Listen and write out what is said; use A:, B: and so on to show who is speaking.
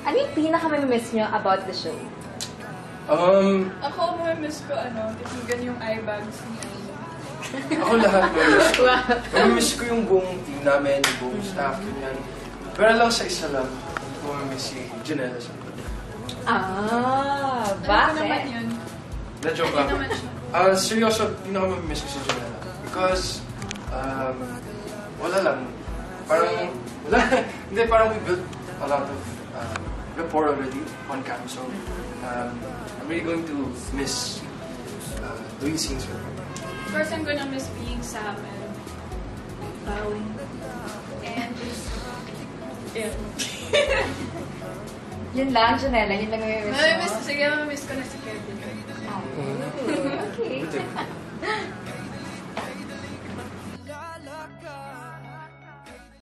A: Ano yung pinaka-miss nyo about the show?
B: Ako, miss ko, titigan yung eye bags niya.
C: Ako lahat mamimiss ko. Mamimiss ko yung buong team namin, yung buong staff, ganyan. Pero lang sa isa lang, mamimiss si Janela.
B: Bakit? Ano naman yun?
C: Na-joke lang. Seryoso, pinaka-mamimiss ko si Janela. Because, wala lang. Parang, wala. Hindi, parang we built a lot of rapport already on cam. So, I'm really going to miss doing scenes with her.
B: Of course, I'm gonna miss being Sam and bowing. And just,
A: Yun lang, Janela. Yun lang yung miss mo.
B: Sige, mamimiss ko na si Kevin.
A: Okay.